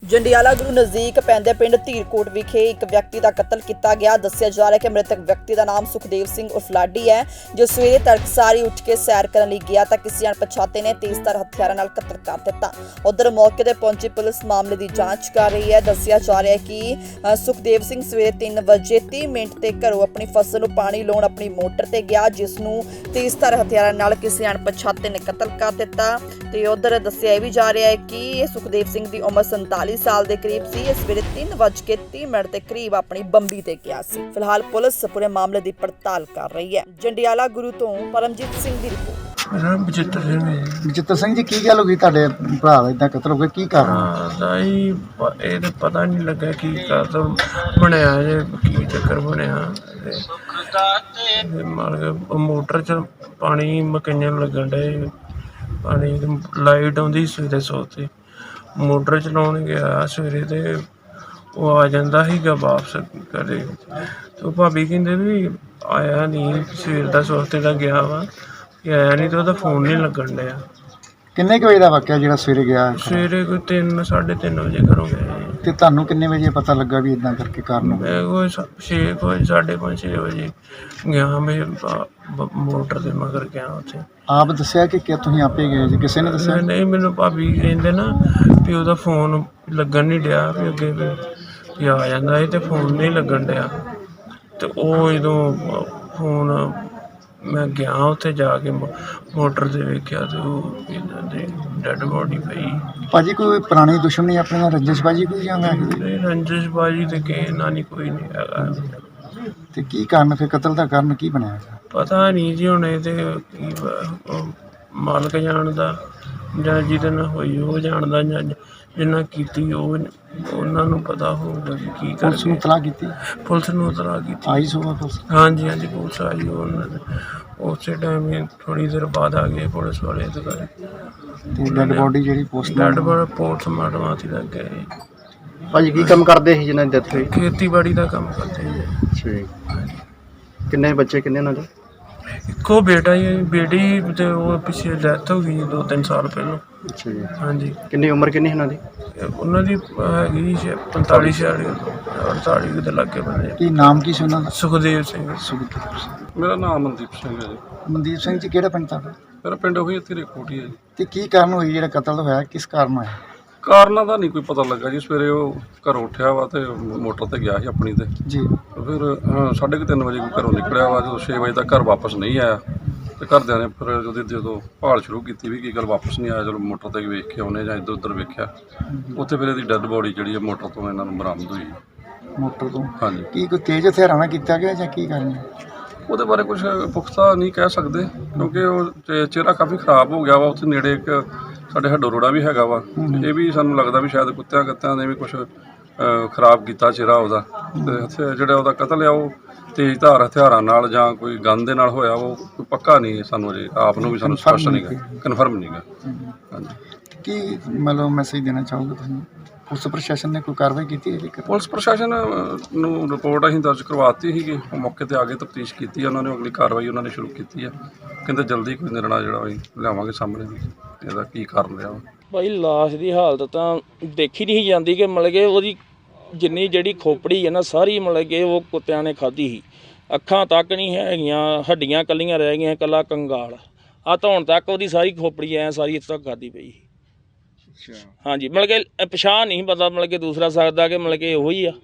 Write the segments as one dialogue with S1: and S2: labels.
S1: ਜੰਡਿਆਲਾ ਗੁਰੂ ਨਜ਼ਦੀਕ ਪੈਂਦੇ ਪਿੰਡ ਧੀਰਕੋਟ ਵਿਖੇ ਇੱਕ ਵਿਅਕਤੀ ਦਾ ਕਤਲ ਕੀਤਾ ਗਿਆ। ਦੱਸਿਆ ਜਾ ਰਿਹਾ ਕਿ ਮ੍ਰਿਤਕ ਵਿਅਕਤੀ ਦਾ ਨਾਮ ਸੁਖਦੇਵ ਸਿੰਘ ਉਰਫ ਲਾਡੀ ਹੈ, ਜੋ ਸਵੇਰੇ ਤੜਕਸਾਰੀ ਉੱਠ ਕੇ ਸੈਰ ਕਰਨ ਲਈ ਗਿਆ ਤਾਂ ਕਿਸੇ ਅਣਪਛਾਤੇ ਨੇ ਤੇਜ਼ਧਾਰ ਹਥਿਆਰਾਂ ਨਾਲ ਕਤਲ ਕਰ ਦਿੱਤਾ। ਉਧਰ ਮੌਕੇ ਤੇ ਪਹੁੰਚੀ ਪੁਲਿਸ ਮਾਮਲੇ ਦੀ ਜਾਂਚ ਕਰ ਰਹੀ ਹੈ। ਦੱਸਿਆ ਜਾ ਰਿਹਾ ਹੈ ਕਿ ਸੁਖਦੇਵ ਸਿੰਘ ਸਵੇਰੇ 3 ਵਜੇ 30 ਮਿੰਟ ਤੇ ਘਰੋਂ ਆਪਣੀ ਫਸਲ ਨੂੰ ਪਾਣੀ ਲਾਉਣ ਆਪਣੀ ਮੋਟਰ ਤੇ ਗਿਆ, ਜਿਸ ਨੂੰ ਤੇਜ਼ਧਾਰ ਹਥਿਆਰਾਂ ਨਾਲ ਕਿਸੇ ਅਣਪਛਾਤੇ ਨੇ ਕਤਲ ਕਰ ਦਿੱਤਾ। ਤੇ ਉਧਰ ਦੱਸਿਆ ਇਹ ਵੀ ਜਾ ਰਿਹਾ ਹੈ ਕਿ ਇਹ ਸੁਖਦੇਵ ਸਿੰਘ ਦੀ ਉਮਰ 47 ਸਾਲ ਦੇ ਕਰੀਬ ਸੀ। ਇਸ ਵੇਲੇ 3:30 ਦੇ ਕਰੀਬ ਆਪਣੀ ਬੰਬੀ ਤੇ ਗਿਆ ਸੀ। ਫਿਲਹਾਲ ਪੁਲਿਸ ਪੂਰੇ ਮਾਮਲੇ ਦੀ ਪੜਤਾਲ ਕਰ ਰਹੀ ਹੈ। ਜੰਡਿਆਲਾ ਗੁਰੂ ਤੋਂ ਪਰਮਜੀਤ ਸਿੰਘ ਦੀ ਰਿਪੋਰਟ।
S2: ਬਚਿੱਤਰ ਸਿੰਘ ਜੀ, ਕੀ ਗੱਲ ਹੋ ਗਈ ਤੁਹਾਡੇ ਭਰਾ ਦਾ ਇਦਾਂ ਕਤਲ ਹੋ ਗਿਆ, ਕੀ ਕਾਰਨ?
S3: ਇਹ ਤਾਂ ਪਤਾ ਨਹੀਂ ਲੱਗਾ ਕੀ ਕਾਰਨ ਬਣਿਆ ਜੇ, ਕੀ ਚੱਕਰ ਬਣਿਆ। ਮੋਟਰ 'ਚ ਪਾਣੀ ਮਕਈਆਂ ਲੱਗਣ ਡੇ, ਪਾਣੀ ਲਾਈਟ ਆਉਂਦੀ ਸਵੇਰੇ ਸੋਤੇ ਮੋਟਰ ਚਲਾਉਣ ਗਿਆ ਸਵੇਰੇ ਤੇ ਉਹ ਆ ਜਾਂਦਾ ਸੀਗਾ ਵਾਪਸ ਘਰੇ। ਤੇ ਉਹ ਭਾਬੀ ਕਹਿੰਦੇ ਵੀ ਆਇਆ ਨਹੀਂ, ਸਵੇਰ ਦਾ ਸੋਤੇ ਦਾ ਗਿਆ ਵਾ ਕਿ ਆਇਆ ਨਹੀਂ, ਤੇ ਉਹਦਾ ਫੋਨ ਨਹੀਂ ਲੱਗਣ ਡਿਆ।
S2: ਕਿੰਨੇ ਕੁ ਵਜੇ ਦਾ ਵਾਕਿਆ ਜਿਹੜਾ ਸਵੇਰੇ ਗਿਆ?
S3: ਸਵੇਰੇ ਕੋਈ 3-3:30 ਵਜੇ ਘਰੋਂ ਗਏ।
S2: ਤੇ ਤੁਹਾਨੂੰ ਕਿੰਨੇ ਵਜੇ ਪਤਾ ਲੱਗਾ ਵੀ ਇਦਾਂ ਕਰਕੇ ਕਾਰਨ?
S3: ਮੈਂ ਕੋਈ 6 ਵਜੇ 5:30 ਵਜੇ ਗਿਆ, ਮੈਂ ਮੋਟਰ ਦੇ ਮਗਰ ਗਿਆ ਉੱਥੇ।
S2: ਆਪ ਦੱਸਿਆ ਕਿ ਤੁਸੀਂ ਆਪੇ ਗਏ ਜੀ, ਕਿਸੇ ਨੇ ਦੱਸਿਆ?
S3: ਨਹੀਂ, ਮੈਨੂੰ ਭਾਬੀ ਕਹਿੰਦੇ ਨਾ ਵੀ ਉਹਦਾ ਫੋਨ ਲੱਗਣ ਨਹੀਂ ਡਿਆ, ਵੀ ਅੱਗੇ ਵੀ ਆ ਜਾਂਦਾ ਸੀ ਤੇ ਫੋਨ ਨਹੀਂ ਲੱਗਣ ਡਿਆ। ਤੇ ਉਹ ਜਦੋਂ ਫੋਨ ਮੈਂ ਗਿਆ ਉੱਥੇ ਜਾ ਕੇ ਮੋਟਰ 'ਤੇ ਵੇਖਿਆ ਤੇ ਉਹ ਇਹਨਾਂ ਦੀ ਡੈਡ ਬੋਡੀ ਪਈ।
S2: ਭਾਜੀ ਕੋਈ ਪੁਰਾਣੀ ਦੁਸ਼ਮਣੀ ਆਪਣੇ ਨਾਲ, ਰੰਜਿਸ਼ਬਾਜੀ ਕੋਈ ਜਾਂਦਾ?
S3: ਨਹੀਂ, ਰੰਜਿਸ਼ਬਾਜੀ ਤੇ ਕਿਸੇ ਨਾਲ ਨਹੀਂ, ਕੋਈ ਨਹੀਂ ਹੈਗਾ।
S2: ਤੇ ਕੀ ਕਾਰਨ ਫਿਰ ਕਤਲ ਦਾ ਕਾਰਨ ਕੀ ਬਣਿਆ?
S3: ਪਤਾ ਨਹੀਂ ਜੀ, ਹੁਣ ਇਹ ਤੇ ਕੀ ਮਾਲਕ ਜਾਣਦਾ, ਜਾਂ ਜਿਹਦੇ ਨਾਲ ਹੋਈ ਉਹ ਜਾਣਦਾ, ਜਾਂ ਜਿੰਨਾ ਕੀਤੀ ਉਹਨਾਂ ਨੂੰ ਪਤਾ ਹੋਊਗਾ ਕਿ ਕੀ ਕਰ।
S2: ਪੁਲਿਸ ਨੂੰ ਇਤਲਾਹ ਕੀਤੀ?
S3: ਪੁਲਿਸ ਨੂੰ ਇਤਲਾਹ ਕੀਤੀ।
S2: ਆਈ ਸੁਬਾਹ ਪੁਲਿਸ?
S3: ਹਾਂਜੀ, ਪੁਲਿਸ ਆਈ। ਉਹਨਾਂ ਨੇ ਉਸੇ ਟਾਈਮ ਹੀ ਥੋੜ੍ਹੀ ਦੇਰ ਬਾਅਦ ਆ ਗਏ ਪੁਲਿਸ ਵਾਲੇ ਅਧਿਕਾਰੀ।
S2: ਤੇ ਡੈਡ ਬੋਡੀ ਜਿਹੜੀ
S3: ਪੋਸਟਮਾਰਟਮ ਵਾਸਤੇ ਲੱਗ ਗਏ।
S2: ਭਾਜੀ ਕੀ ਕੰਮ ਕਰਦੇ ਸੀ ਜਿਹਨਾਂ ਦੀ ਡੈਥ ਹੋਈ?
S3: ਖੇਤੀਬਾੜੀ ਦਾ ਕੰਮ ਕਰਦੇ ਜੀ।
S2: ਅੱਛਾ ਜੀ। ਕਿੰਨੇ ਬੱਚੇ, ਕਿੰਨੇ ਉਹਨਾਂ ਦੇ?
S3: ਇੱਕੋ ਬੇਟਾ ਹੀ, ਬੇਟੀ ਤੇ ਉਹ ਪਿੱਛੇ ਡੈਥ ਹੋ ਗਈ 2-3 ਸਾਲ ਪਹਿਲਾਂ।
S2: ਅੱਛਾ ਜੀ।
S3: ਹਾਂਜੀ।
S2: ਕਿੰਨੀ ਉਮਰ ਕਿੰਨੀ ਉਹਨਾਂ ਦੀ?
S3: ਉਹਨਾਂ ਦੀ ਹੈਗੀ 45-46 ਦੇ ਲਾਗੇ ਬੰਦੇ।
S2: ਕੀ ਨਾਮ ਕੀ ਸੀ ਉਹਨਾਂ ਦਾ?
S3: ਸੁਖਦੇਵ ਸਿੰਘ।
S4: ਮੇਰਾ ਨਾਮ ਮਨਦੀਪ ਸਿੰਘ ਹੈ ਜੀ।
S2: ਮਨਦੀਪ ਸਿੰਘ ਜੀ, ਕਿਹੜਾ ਪਿੰਡ ਤੁਹਾਡਾ?
S4: ਮੇਰਾ ਪਿੰਡ ਉਹੀ ਧੀਰਕੋਟ ਹੀ ਹੈ ਜੀ।
S2: ਤੇ ਕੀ ਕਾਰਨ ਹੋਈ ਜਿਹੜਾ ਕਤਲ ਹੋਇਆ, ਕਿਸ ਕਾਰਨ ਹੋਇਆ?
S4: ਕਾਰਨਾਂ ਦਾ ਨਹੀਂ ਕੋਈ ਪਤਾ ਲੱਗਾ ਜੀ। ਸਵੇਰੇ ਉਹ ਘਰੋਂ ਉੱਠਿਆ ਵਾ ਤੇ ਮੋਟਰ ਤੇ ਗਿਆ ਸੀ ਆਪਣੀ ਤੇ।
S2: ਜੀ।
S4: ਫਿਰ 3:30 ਵਜੇ ਘਰੋਂ ਨਿਕਲਿਆ ਵਾ। ਜਦੋਂ 6 ਵਜੇ ਤੱਕ ਘਰ ਵਾਪਸ ਨਹੀਂ ਆਇਆ ਤੇ ਘਰਦਿਆਂ ਨੇ ਫਿਰ ਜਦੋਂ ਭਾਲ ਸ਼ੁਰੂ ਕੀਤੀ ਵੀ ਕੀ ਗੱਲ ਵਾਪਸ ਨਹੀਂ ਆਇਆ, ਚਲੋ ਮੋਟਰ ਤੇ ਵੇਖ ਕੇ ਆਉਨੇ ਜਾਂ ਇੱਧਰ ਉੱਧਰ ਵੇਖਿਆ, ਉੱਥੇ ਫਿਰ ਇਹਦੀ ਡੈੱਡ ਬੋਡੀ ਜਿਹੜੀ ਹੈ ਮੋਟਰ ਤੋਂ ਇਹਨਾਂ ਨੂੰ ਬਰਾਮਦ ਹੋਈ।
S2: ਮੋਟਰ ਤੋਂ?
S4: ਹਾਂਜੀ।
S2: ਕੀ ਕੋਈ ਤੇਜ਼ ਹਥਿਆਰਾਂ ਨਾਲ ਕੀਤਾ ਗਿਆ ਜਾਂ ਕੀ ਕਾਰਨ?
S4: ਉਹਦੇ ਬਾਰੇ ਕੁਝ ਪੁਖਤਾ ਨਹੀਂ ਕਹਿ ਸਕਦੇ, ਕਿਉਂਕਿ ਉਹ ਚਿਹਰਾ ਕਾਫੀ ਖਰਾਬ ਹੋ ਗਿਆ ਵਾ। ਉੱਥੇ ਨੇੜੇ ਇੱਕ ਸਾਡੇ ਹੱਡੋ ਰੋੜਾ ਵੀ ਹੈਗਾ ਵਾ, ਇਹ ਵੀ ਸਾਨੂੰ ਲੱਗਦਾ ਵੀ ਸ਼ਾਇਦ ਕੁੱਤਿਆਂ ਨੇ ਵੀ ਕੁਝ ਖਰਾਬ ਕੀਤਾ ਚਿਹਰਾ ਉਹਦਾ। ਤੇ ਜਿਹੜਾ ਉਹਦਾ ਕਤਲ ਆ ਉਹ ਤੇਜ਼ਧਾਰ ਹਥਿਆਰਾਂ ਨਾਲ ਜਾਂ ਕੋਈ ਗਨ ਦੇ ਨਾਲ ਹੋਇਆ, ਉਹ ਕੋਈ ਪੱਕਾ ਨਹੀਂ ਸਾਨੂੰ ਅਜੇ ਆਪ ਨੂੰ ਵੀ ਸਾਨੂੰ ਸਪਸ਼ਟ ਨਹੀਂ ਗਾ, ਕਨਫਰਮ ਨਹੀਂ ਗਾ। ਹਾਂਜੀ।
S2: ਕੀ ਮਤਲਬ ਮੈਸੇਜ ਦੇਣਾ ਚਾਹੋਗੇ ਤੁਸੀਂ? ਪੁਲਿਸ ਪ੍ਰਸ਼ਾਸਨ ਨੇ ਕੋਈ ਕਾਰਵਾਈ ਕੀਤੀ ਹੈ?
S4: ਪੁਲਿਸ ਪ੍ਰਸ਼ਾਸਨ ਨੂੰ ਰਿਪੋਰਟ ਅਸੀਂ ਦਰਜ ਕਰਵਾਤੀ ਸੀਗੀ, ਉਹ ਮੌਕੇ 'ਤੇ ਆ ਕੇ ਤਫਤੀਸ਼ ਕੀਤੀ ਉਹਨਾਂ ਨੇ, ਅਗਲੀ ਕਾਰਵਾਈ ਉਹਨਾਂ ਨੇ ਸ਼ੁਰੂ ਕੀਤੀ ਆ। ਕਹਿੰਦੇ ਜਲਦੀ ਕੋਈ ਨਿਰਣਾ ਜਿਹੜਾ ਅਸੀਂ ਲਿਆਵਾਂਗੇ ਸਾਹਮਣੇ ਵੀ ਇਹਦਾ ਕੀ ਕਾਰਨ ਰਿਹਾ।
S5: ਭਾਈ ਲਾਸ਼ ਦੀ ਹਾਲਤ ਤਾਂ ਦੇਖੀ ਨਹੀਂ ਜਾਂਦੀ ਕਿ ਮਤਲਬ ਕਿ ਉਹਦੀ ਜਿੰਨੀ ਜਿਹੜੀ ਖੋਪੜੀ ਹੈ ਨਾ ਸਾਰੀ ਮਤਲਬ ਕਿ ਉਹ ਕੁੱਤਿਆਂ ਨੇ ਖਾਧੀ ਸੀ। ਅੱਖਾਂ ਤੱਕ ਨਹੀਂ ਹੈਗੀਆਂ, ਹੱਡੀਆਂ ਕੱਲੀਆਂ ਰਹਿ ਗਈਆਂ, ਇਕੱਲਾ ਕੰਗਾਲ ਆ ਧੌਣ ਤੱਕ ਉਹਦੀ ਸਾਰੀ ਖੋਪੜੀ ਐ ਸਾਰੀ ਇੱਥੇ ਤੱਕ ਖਾਧੀ ਪਈ ਸੀ। ਹਾਂਜੀ, ਮਤਲਬ ਕਿ ਪਛਾਣ ਨਹੀਂ ਪਤਾ, ਮਤਲਬ ਕਿ ਦੂਸਰਾ ਸਕਦਾ ਕਿ ਮਤਲਬ ਕਿ ਉਹੀ ਆ।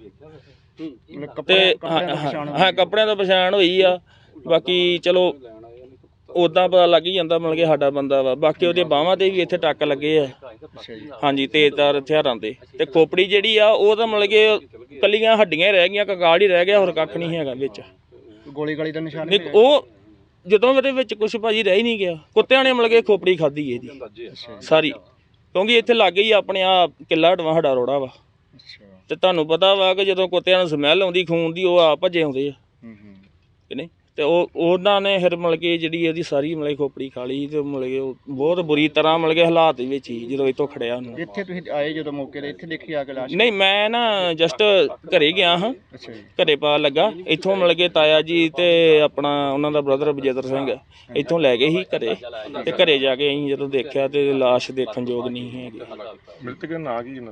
S5: ਤੇ ਹਾਂ, ਕੱਪੜਿਆਂ ਤੋਂ ਪਛਾਣ ਹੋਈ ਆ। ਬਾਕੀ ਚਲੋ ਉੱਦਾਂ ਪਤਾ ਲੱਗ ਹੀ ਜਾਂਦਾ ਮਤਲਬ ਕਿ ਸਾਡਾ ਬੰਦਾ ਵਾ। ਬਾਕੀ ਉਹਦੇ ਬਾਹਾਂ 'ਤੇ ਵੀ ਇੱਥੇ ਟੱਕ ਲੱਗੇ ਆ। ਹਾਂਜੀ, ਤੇਜ਼ਧਾਰ ਹਥਿਆਰਾਂ ਦੇ। ਤੇ ਖੋਪੜੀ ਜਿਹੜੀ ਆ ਉਹ ਤਾਂ ਮਤਲਬ ਕਿ ਕੱਲੀਆਂ ਹੱਡੀਆਂ ਹੀ ਰਹਿ ਗਈਆਂ, ਕੰਗਾਲ ਹੀ ਰਹਿ ਗਿਆ, ਹੋਰ ਕੱਖ ਨਹੀਂ ਹੈਗਾ ਵਿੱਚ।
S2: ਗੋਲੀ ਦਾ ਨਿਸ਼ਾਨ
S5: ਨਹੀਂ, ਉਹ ਜਦੋਂ ਉਹਦੇ ਵਿੱਚ ਕੁਛ ਭਾਜੀ ਰਹਿ ਹੀ ਨਹੀਂ ਗਿਆ। ਕੁੱਤਿਆਂ ਨੇ ਮਤਲਬ ਕਿ ਖੋਪੜੀ ਖਾਧੀ ਇਹਦੀ ਸਾਰੀ, ਕਿਉਂਕਿ ਇੱਥੇ ਲਾਗੇ ਹੀ ਆਪਣੇ ਆ ਕਿੱਲਾ ਹਟਵਾ ਸਾਡਾ ਰੋੜਾ ਵਾ। ਤੇ ਤੁਹਾਨੂੰ ਪਤਾ ਵਾ ਕਿ ਜਦੋਂ ਕੁੱਤਿਆਂ ਨੂੰ ਸਮੈਲ ਆਉਂਦੀ ਖੂਨ ਦੀ, ਉਹ ਆ ਭੱਜੇ ਆਉਂਦੇ ਆ ਕਿ ਨਹੀਂ। ਤੇ ਉਹਨਾਂ ਨੇ ਫਿਰ ਮਤਲਬ ਕਿ ਜਿਹੜੀ ਇਹਦੀ ਸਾਰੀ ਮਤਲਬ ਖੋਪੜੀ ਖਾ ਲਈ। ਤੇ ਮਤਲਬ ਕਿ ਉਹ ਬਹੁਤ ਬੁਰੀ ਤਰ੍ਹਾਂ ਮਤਲਬ ਕਿ ਹਾਲਾਤ ਦੇ ਵਿੱਚ ਹੀ ਜਦੋਂ ਇੱਥੋਂ ਖੜਿਆ ਉਹਨੂੰ।
S2: ਇੱਥੇ ਤੁਸੀਂ ਆਏ ਜਦੋਂ ਮੌਕੇ 'ਤੇ, ਇੱਥੇ ਦੇਖੀ ਆ ਕੇ ਲਾਸ਼?
S5: ਨਹੀਂ, ਮੈਂ ਨਾ ਜਸਟ ਘਰੇ ਗਿਆ ਹਾਂ। ਘਰੇ ਪਾ ਲੱਗਾ ਇੱਥੋਂ ਮਤਲਬ ਕਿ ਤਾਇਆ ਜੀ ਤੇ ਆਪਣਾ ਉਹਨਾਂ ਦਾ ਬ੍ਰਦਰ ਬਜੇਦਰ ਸਿੰਘ ਇੱਥੋਂ ਲੈ ਗਏ ਸੀ ਘਰੇ। ਤੇ ਘਰੇ ਜਾ ਕੇ ਅਸੀਂ ਜਦੋਂ ਦੇਖਿਆ ਤੇ ਲਾਸ਼ ਦੇਖਣ ਯੋਗ ਨਹੀਂ ਹੈਗੀ।
S4: ਮ੍ਰਿਤਕ ਦਾ ਨਾਂ ਕੀ ਇਹਨਾਂ ਦਾ?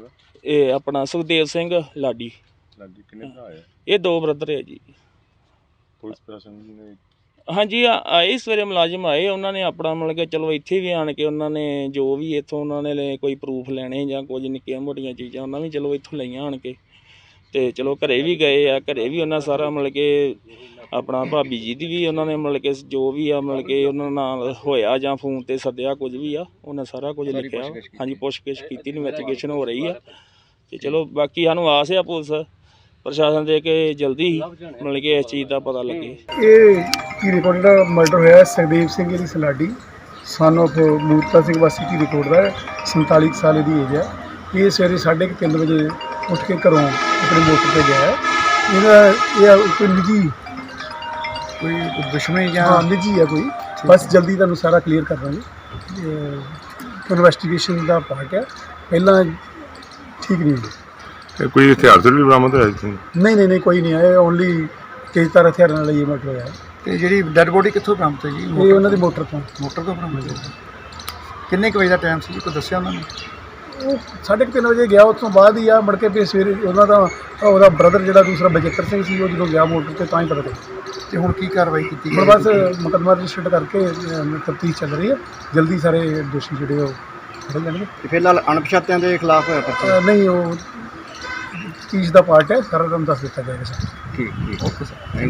S5: ਇਹ ਆਪਣਾ ਸੁਖਦੇਵ ਸਿੰਘ ਲਾਡੀ।
S6: ਕਿੰਨੇ ਭਰਾ ਹੈ?
S5: ਇਹ 2 ਬ੍ਰਦਰ ਹੈ ਜੀ।
S6: ਪੁਲਿਸ ਪ੍ਰਸ਼ਾਸਨ ਨੇ
S5: ਹਾਂਜੀ ਆਏ ਸਵੇਰੇ ਮੁਲਾਜ਼ਮ ਆਏ, ਉਹਨਾਂ ਨੇ ਆਪਣਾ ਮਤਲਬ ਕਿ ਚਲੋ ਇੱਥੇ ਵੀ ਆਣ ਕੇ ਉਹਨਾਂ ਨੇ ਜੋ ਵੀ ਇੱਥੋਂ ਉਹਨਾਂ ਨੇ ਕੋਈ ਪ੍ਰੂਫ ਲੈਣੇ ਜਾਂ ਕੁਝ ਨਿੱਕੀਆਂ ਮੋਟੀਆਂ ਚੀਜ਼ਾਂ ਉਹਨਾਂ ਵੀ ਚਲੋ ਇੱਥੋਂ ਲਈਆਂ ਆਣ ਕੇ, ਤੇ ਚਲੋ ਘਰੇ ਵੀ ਗਏ ਆ, ਘਰੇ ਵੀ ਉਹਨਾਂ ਸਾਰਾ ਮਤਲਬ ਕਿ ਆਪਣਾ ਭਾਬੀ ਜੀ ਦੀ ਵੀ ਉਹਨਾਂ ਨੇ ਮਤਲਬ ਕਿ ਜੋ ਵੀ ਆ ਮਤਲਬ ਕਿ ਉਹਨਾਂ ਨਾਲ ਹੋਇਆ ਜਾਂ ਫੋਨ ਤੇ ਸੱਦਿਆ ਕੁਝ ਵੀ ਆ, ਉਹਨਾਂ ਸਾਰਾ ਕੁਝ ਲਿਖਿਆ। ਹਾਂਜੀ ਪੁੱਛਗਿੱਛ ਕੀਤੀ, ਇਨਵੈਸਟੀਗੇਸ਼ਨ ਹੋ ਰਹੀ ਆ, ਤੇ ਚਲੋ ਬਾਕੀ ਸਾਨੂੰ ਆਸ ਆ ਪੁਲਿਸ ਪ੍ਰਸ਼ਾਸਨ ਦੇ ਕਿ ਜਲਦੀ ਹੀ ਮਤਲਬ ਕਿ ਇਸ ਚੀਜ਼ ਦਾ ਪਤਾ ਲੱਗੇ।
S7: ਇਹ ਧੀਰੇ ਕੋਟ ਦਾ ਮਰਡਰ ਹੋਇਆ ਸੁਖਦੇਵ ਸਿੰਘ ਦੀ ਸਲਾਡੀ ਸਨ ਆਫ ਮੂਰਤਾ ਸਿੰਘ ਵਾਸੀ ਧੀਰੇ ਕੋਟ ਦਾ 47 ਸਾਲ ਦੀ ਏਜ ਹੈ। ਇਹ ਸਵੇਰੇ 3:30 ਵਜੇ ਉੱਠ ਕੇ ਘਰੋਂ ਆਪਣੇ ਮੋਟਰ 'ਤੇ ਗਿਆ ਹੈ। ਇਹ ਕੋਈ ਨਿੱਜੀ
S2: ਕੋਈ ਦੁਸ਼ਮਣੀ ਜਾਂ
S7: ਹਾਂ ਨਿੱਜੀ ਹੈ ਕੋਈ, ਬਸ ਜਲਦੀ ਤੁਹਾਨੂੰ ਸਾਰਾ ਕਲੀਅਰ ਕਰ ਦਾਂਗੇ। ਇਨਵੈਸਟੀਗੇਸ਼ਨ ਦਾ ਪਾਰਟ ਹੈ, ਪਹਿਲਾਂ ਠੀਕ ਨਹੀਂ ਹੋਈ।
S6: ਕੋਈ ਹਥਿਆਰ ਵੀ ਬਰਾਮਦ ਹੋਇਆ ਸੀ?
S7: ਨਹੀਂ ਕੋਈ ਨਹੀਂ ਆਇਆ, ਓਨਲੀ ਤੇਜ਼ਧਾਰ ਹਥਿਆਰਾਂ ਨਾਲ ਇਹ ਮਰਡਰ ਹੋਇਆ।
S2: ਤੇ ਜਿਹੜੀ ਡੈੱਡ ਬੋਡੀ ਕਿੱਥੋਂ ਬਰਾਮਦ ਹੋਈ ਜੀ?
S7: ਇਹ ਉਹਨਾਂ ਦੀ ਮੋਟਰ ਤੋਂ
S2: ਬਰਾਮਦ ਹੋਈ। ਕਿੰਨੇ ਕੁ ਵਜੇ ਦਾ ਟਾਈਮ ਸੀ ਜੀ, ਕੋਈ ਦੱਸਿਆ ਉਹਨਾਂ ਨੇ?
S7: ਉਹ 3:30 ਵਜੇ ਗਿਆ, ਉਸ ਤੋਂ ਬਾਅਦ ਹੀ ਆ ਮੁੜ ਕੇ ਫਿਰ ਸਵੇਰੇ ਉਹਦਾ ਬ੍ਰਦਰ ਜਿਹੜਾ ਦੂਸਰਾ ਬਜਿੱਤਰ ਸਿੰਘ ਸੀ, ਉਹ ਜਦੋਂ ਗਿਆ ਮੋਟਰ 'ਤੇ ਤਾਂ ਹੀ ਪਤਾ ਲੱਗਿਆ।
S2: ਤੇ ਹੁਣ ਕੀ ਕਾਰਵਾਈ ਕੀਤੀ
S7: ਹੁਣ ਬਸ ਮੁਕੱਦਮਾ ਰਜਿਸਟਰ ਕਰਕੇ ਤਫਤੀਸ਼ ਚੱਲ ਰਹੀ ਹੈ, ਜਲਦੀ ਸਾਰੇ ਦੋਸ਼ੀ ਜਿਹੜੇ ਉਹ ਫੜੇ ਜਾਣਗੇ।
S2: ਫਿਲਹਾਲ ਅਣਪਛਾਤਿਆਂ ਦੇ ਖਿਲਾਫ ਹੋਇਆ ਪਰਚਾ?
S7: ਨਹੀਂ ਉਹ ਤਫਤੀਸ਼ ਦਾ ਪਾਰਟ ਹੈ, ਸਾਰਾ ਤੁਹਾਨੂੰ ਦੱਸ ਦਿੱਤਾ ਜਾਏਗਾ ਸਰ।
S2: ਠੀਕ ਓਕੇ ਸਰ।